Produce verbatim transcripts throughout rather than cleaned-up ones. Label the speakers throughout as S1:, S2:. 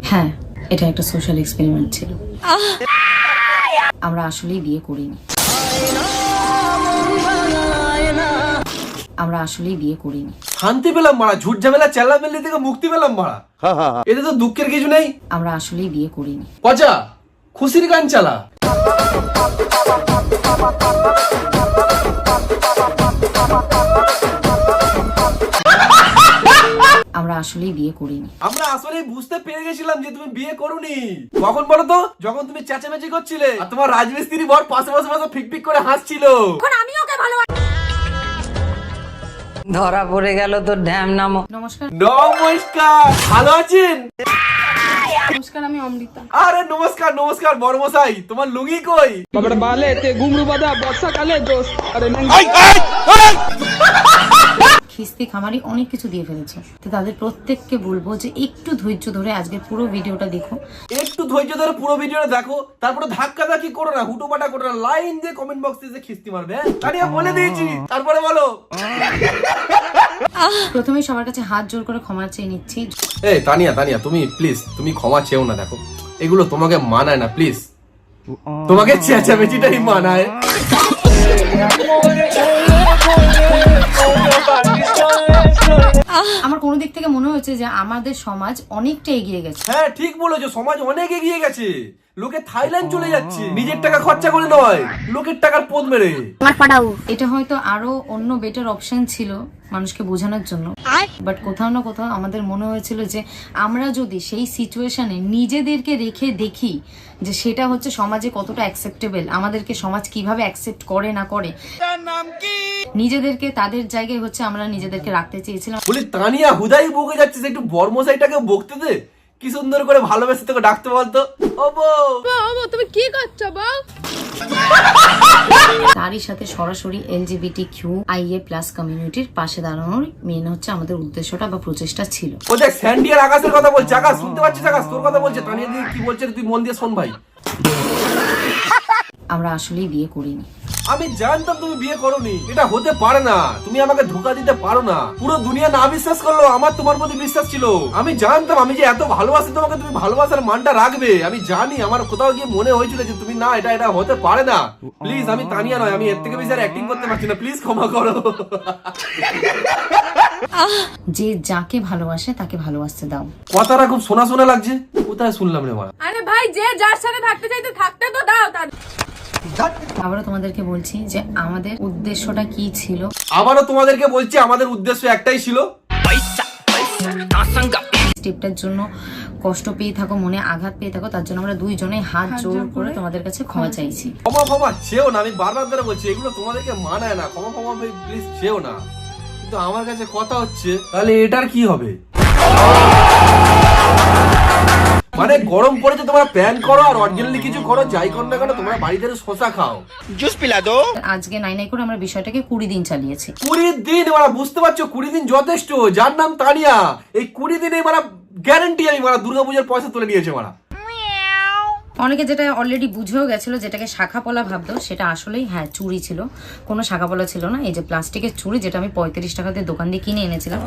S1: হ্যাঁ, এটা একটা সোশ্যাল এক্সপেরিমেন্ট ছিল। আমরা আসলেই বিয়ে করিনি। আমরা আসলেই বিয়ে করিনি।
S2: শান্তি পেলাম মারা, ঝুট ঝামেলা চেল্লামেল্লি থেকে মুক্তি পেলাম মারা। এতে তো দুঃখের কিছু নেই।
S1: আমরা আসলেই বিয়ে করিনি।
S2: পচা খুশির গান চালা।
S1: আমরা আসলেই বিয়ে করিনি।
S2: আমরা আসলেই বুঝতে পেরে গেছিলাম যে তুমি বিয়ে করোনি। কখন বলো তো? যখন তুমি চেঁচামেচি করছিলে আর তোমার রাজমিস্ত্রি বর পাশে পাশে পাশে ফিকফিক করে হাসছিল।
S3: এখন আমি ওকে ভালোবাসি।
S4: ধরা পড়ে গেল তোর ঢ্যাম নাম।
S1: নমস্কার।
S2: নমস্কার, ভালো আছেন?
S3: নমস্কার, আমি অমৃতা।
S2: আরে নমস্কার নমস্কার বড়মশাই, তোমার লুঙ্গি কই?
S5: বাবা বালে তে ঘুমরু বাদা বর্ষাকালে দোস্ত। আরে
S1: খিস্তি খামারি অনেক কিছু দিয়ে ফেলেছে, তো তাদের প্রত্যেককে বলবো যে একটু ধৈর্য ধরে আজকে পুরো ভিডিওটা দেখো।
S2: একটু ধৈর্য ধরে পুরো ভিডিওটা দেখো, তারপরে ধাক্কা ধাক্কি করো না, হুটোপাটা করো না, লাইন দিয়ে কমেন্ট বক্সে যে খিস্তি মারবে। তানিয়া বলে দিয়েছি, তারপরে বলো।
S1: প্রথমে সবার কাছে হাত জোর করে ক্ষমা চেয়ে নিচ্ছি।
S2: এই তানিয়া তানিয়া তুমি প্লিজ, তুমি ক্ষমা চেও না। দেখো এগুলো তোমাকে মানায় না, প্লিজ। তোমাকে চেঁচামেচিটাই মানায়।
S1: আমার কোনো দিক থেকে মনে হচ্ছে যে আমাদের সমাজ অনেকটা এগিয়ে গেছে।
S2: হ্যাঁ ঠিক বলেছো, সমাজ অনেক এগিয়ে গেছে। লোকে থাইল্যান্ড চলে যাচ্ছে নিজের টাকা খরচা করে নয়, লোকের টাকার পোদ মেরে।
S1: এটা হয়তো আরো অন্য বেটার অপশন ছিল মানুষকে বোঝানোর জন্য, বাট কোথাও না কোথাও আমাদের মনে হয়েছিল যে আমরা যদি সেই সিচুয়েশনে নিজেদেরকে রেখে দেখি যে সেটা হচ্ছে সমাজে কতটা অ্যাকসেপ্টেবল, আমাদেরকে সমাজ কিভাবে অ্যাকসেপ্ট করে না করে, নিজেদেরকে তাদের জায়গায় হচ্ছে আমরা নিজেদেরকে রাখতে চেয়েছিলাম।
S2: বলি তানিয়া হুদাই বকে যাচ্ছে, একটু বর্মশাইটাকে বকতে দে। কি সুন্দর করে ভালোবেসে তোকে ডাকতে বলতো, ও বউ।
S3: বাবা তুমি কি করছো বউ?
S1: তারই সাথে সরাসরি এলজিবিটি কিউ আইএ প্লাস কমিউনিটির পাশে দাঁড়ানোর মেন হচ্ছে আমাদের উদ্দেশ্যটা বা প্রচেষ্টা ছিল।
S2: ও দেখ স্যান্ডি আর আকাশের কথা বলছে। আকাশ শুনতে পাচ্ছিস? আকাশ তোর কথা বলছে। তানিয়া দিদি কি বলছে তুই মন দিয়ে শোন ভাই।
S1: আমরা আসলেই বিয়ে করিনি।
S2: আমি জানতাম তুমি বিয়ে করোনি, এটা হতে পারে না। তুমি আমাকে ধোকা দিতে পারো না। পুরো দুনিয়া না বিশ্বাস করলো, আমার তোমার প্রতি বিশ্বাস ছিল। আমি জানতাম আমি যে এত ভালোবাসি তোমাকে, তুমি ভালোবাসার মানটা রাখবে। আমি জানি, আমার কোথাও গিয়ে মনে হয়েছিল যে তুমি না, এটা এটা হতে পারে না। প্লিজ, আমি তানিয়া নয়, আমি এর থেকে বেশি আর অ্যাক্টিং করতে পারছি না। প্লিজ ক্ষমা করো।
S1: যে যাকে ভালোবাসে তাকে ভালোবাসতে দাও।
S2: কথাটা খুব শোনা শোনা লাগছে। কোথায় শুনলাম রে মারা?
S3: আরে ভাই, যে যার সাথে থাকতে চাইতে থাকতে তো দাও। তার
S1: আবারও তোমাদেরকে বলছি যে আমাদের উদ্দেশ্যটা কি ছিল।
S2: আবারও তোমাদেরকে বলছি আমাদের উদ্দেশ্য একটাই ছিল।
S1: স্টেপটার জন্য কষ্ট পেয়ে থাকো, মনে আঘাত পেয়ে থাকো, তার জন্য আমরা দুইজনেই হাত জোর করে তোমাদের কাছে ক্ষমা চাইছি।
S2: ক্ষমা ক্ষমা চেও না, আমি বারবার ধরে বলছি এগুলো তোমাদেরকে মানায় না। ক্ষমা ক্ষমা প্লিজ চেও না। কিন্তু আমার কাছে কথা হচ্ছে, তাহলে এটার কি হবে? মানে গরম পড়েছে, তোমরা প্ল্যান করো আর অরিজিনালি কিছু করো, যাই করো না কেন তোমরা বাড়িতে শসা খাও।
S6: জুস পিলা দো।
S1: আজকে নাই নাই করে আমরা বিষয়টাকে কুড়ি দিন চালিয়েছি।
S2: কুড়ি দিন ওরা, বুঝতে পারছো? কুড়ি দিন যথেষ্ট। যার নাম তানিয়া, এই কুড়ি দিনে মারা গ্যারান্টি আমি মারা দুর্গাপূজার পয়সা তুলে নিয়েছে মারা।
S1: অনেকে যেটা অলরেডি বুঝেও গেছিল, যেটাকে শাখা পলা ভাবতো, সেটা আসলেই হ্যাঁ চুরি ছিল, কোনো শাখা পলা ছিল না। এই যে প্লাস্টিকের চুড়ি, যেটা আমি পঁয়ত্রিশ টাকা দিয়ে দোকান দিয়ে কিনে এনেছিলাম।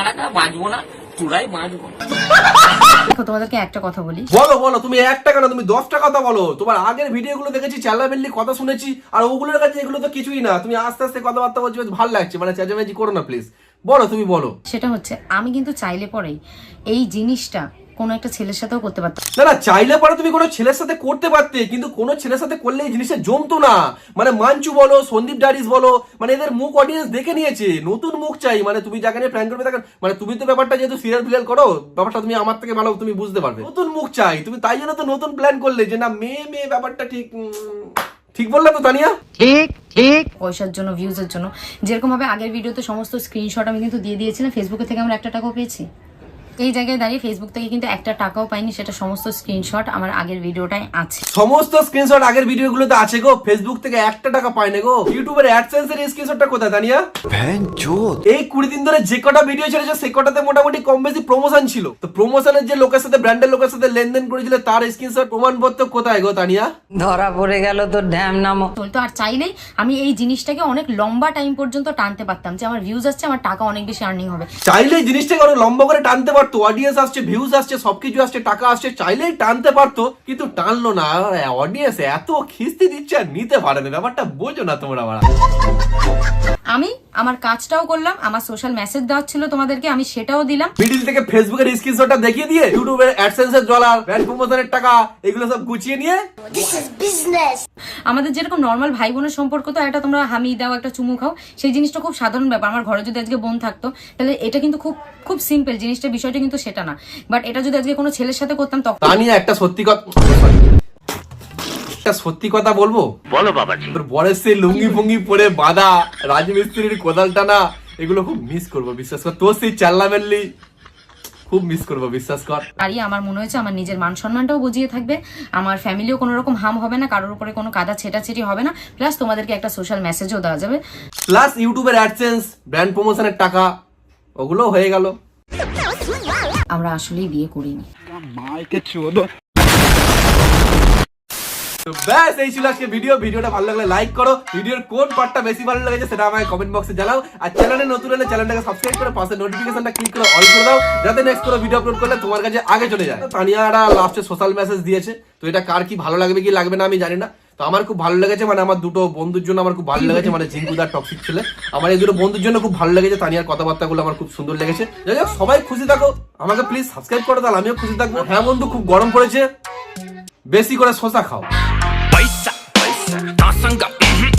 S1: দেখো তোমাদেরকে একটা কথা বলি।
S2: বলো বলো, তুমি এক টাকা না, তুমি দশ টাকা কথা বলো। তোমার আগের ভিডিও গুলো দেখেছি, চেল্লামেল্লি কথা শুনেছি, আর ওগুলোর কাছে এগুলো তো কিছুই না। তুমি আস্তে আস্তে কথাবার্তা বলছো, বেশ ভালো লাগছে। মানে চেঁচামেচি করো না প্লিজ। বলো, তুমি বলো।
S1: সেটা হচ্ছে আমি কিন্তু চাইলে পরেই এই জিনিসটা কোনো একটা ছেলের সাথেও করতে পারতাম
S2: না। না চাইলে পরে তুমি কোনো ছেলের সাথে করতে পারতে, কিন্তু কোনো ছেলের সাথে করলে এই জিনিসটা জমতো না। মানে মাঞ্চু বলো, সন্দীপ ডারিস বলো, মানে এদের মুখ অডিয়েন্স দেখে নিয়েছে। নতুন মুখ চাই। মানে তুমি যাকে নিয়ে প্ল্যান করবে তাকে, মানে তুমি তো ব্যাপারটা যেহেতু সিরিয়াল ফিরিয়াল করো, ব্যাপারটা তুমি আমার থেকে ভালো তুমি বুঝতে পারবে। নতুন মুখ চাই তুমি, তাই জন্য তো নতুন প্ল্যান করলে যে না মেয়ে মেয়ে ব্যাপারটা ঠিক। ঠিক বললাম তো তানিয়া?
S4: ঠিক ঠিক।
S1: পয়সার জন্য, ভিউজের জন্য। যেরকম ভাবে আগের ভিডিওতে সমস্ত স্ক্রিনশট আমি কিন্তু দিয়ে দিয়েছিলাম, ফেসবুকে থেকে আমরা একটা টাকাও পেয়েছি। এই জায়গায় দাঁড়িয়ে ফেসবুক থেকে কিন্তু একটা টাকাও পাইনি, সেটা সমস্ত স্ক্রিনশট আমার আগের ভিডিওটাই আছে।
S2: সমস্ত স্ক্রিনশট আগের ভিডিওগুলোতে আছে গো। ফেসবুক থেকে একটা টাকা পাই না গো। ইউটিউবের অ্যাডসেন্স এর স্ক্রিনশটটা কোথায় তানিয়া? এই কুড়ি দিন ধরে যে কটা ভিডিও ছেড়েছে সে কটাতে মোটামুটি কম বেশি প্রমোশন ছিল। তো প্রমোশনের যে লোকের সাথে, ব্র্যান্ডের লোকের সাথে লেনদেন করেছিল, তার স্ক্রিনশট প্রমাণপত্র কোথায় গো তানিয়া?
S4: ধরা পড়ে গেল তোর ঢ্যাম নাম।
S1: চলতো। আর চাইলেই আমি এই জিনিসটাকে অনেক লম্বা টাইম পর্যন্ত টানতে পারতাম, যে আমার ভিউজ আসছে, আমার টাকা অনেক বেশি আর্নিং হবে।
S2: চাইলে জিনিসটাকে অনেক লম্বা করে টানতে পারতো, পারতো, অডিয়েন্স আসছে, ভিউজ আসছে, সবকিছু আসছে, টাকা আসছে, চাইলেই টানতে পারতো, কিন্তু টানলো না। অডিয়েন্স এত খিস্তি দিচ্ছে আর নিতে পারে না, ব্যাপারটা বোঝো না তোমরা। বাড়া
S1: আমি আমার কাজটাও করলাম, আমার সোশ্যাল মেসেজ দেওয়া ছিল তোমাদেরকে, আমি সেটাও দিলাম।
S2: মিডিল থেকে ফেসবুকের স্ক্রিনশটটা দেখিয়ে দিয়ে ইউটিউবের অ্যাডসেন্সের ডলার, ব্র্যান্ড প্রমোশনের টাকা, এগুলো সব গুছিয়ে নিয়ে
S1: আমাদের যেরকম নর্মাল ভাই বোনের সম্পর্ক, তো একটা তোমরা হামি দাও, একটা চুমু খাও, সেই জিনিসটা খুব সাধারণ ব্যাপার। আমার ঘরে যদি আজকে বোন থাকতো তাহলে এটা কিন্তু খুব খুব সিম্পল জিনিসটা, বিষয়টা কিন্তু সেটা না। বাট এটা যদি আজকে কোনো ছেলের সাথে করতাম তখন
S2: তা নিয়ে একটা সত্যি কথা একটা সত্যি কথা বলবো, বলো বাবাজি। তোর বরের সেই লুঙ্গি ফুঙ্গি পরে বাঁধা, রাজমিস্ত্রির কোদাল টানা, এগুলো খুব মিস করবো, বিশ্বাস কর। তোর সেই চাল্লা মেললি খুব মিস করবো, বিশ্বাস কর।
S1: আরই আমার মনে হয়েছে আমার নিজের মান সম্মানটাও বুঝিয়ে থাকবে, আমার ফ্যামিলিও কোনো রকম হাম হবে না, কারোর উপরে কোনো কাদা ছেটাছেটি হবে না, প্লাস তোমাদেরকে একটা সোশ্যাল মেসেজও দেওয়া যাবে।
S2: প্লাস ইউটিউবের অ্যাডসেন্স, ব্র্যান্ড প্রমোশনের টাকা, ওগুলো হয়ে গেল।
S1: আমরা আসলেই বিয়ে করিনি।
S2: তো ব্যাস এই ছিল আজকে ভিডিও। ভিডিওটা ভালো লাগলে লাইক করো, ভিডিওর কোন পার্টটা বেশি ভালো লেগেছে সেটা আমাকে কমেন্ট বক্সে জানাও, আর চ্যানেলে নতুন হলে চ্যানেলটাকে সাবস্ক্রাইব করে পাশে নোটিফিকেশনটা ক্লিক করে অল করে দাও, যাতে নেক্সট কোনো ভিডিও আপলোড করলে তোমার কাছে আগে চলে যায়। তানিয়ারা লাস্টে সোশ্যাল মেসেজ দিয়েছে, তো এটা কার কি ভালো লাগবে কি লাগবে না আমি জানি না। তো আমার খুব ভালো লেগেছে, মানে আমার দুটো বন্ধুর জন্য আমার খুব ভালো লেগেছে, মানে জিঙ্কুদার টক্সিক ছেলে, আমার এই দুটো বন্ধুর জন্য খুব ভালো লেগেছে। তানিয়ার কথাবার্তাগুলো আমার খুব সুন্দর লেগেছে। যাই হোক, সবাই খুশি থাকো, আমাকে প্লিজ সাবস্ক্রাইব করো, তাহলে আমিও খুশি থাকবো। হ্যাঁ বন্ধু, খুব গরম পড়েছে, বেশি করে শসা খাও।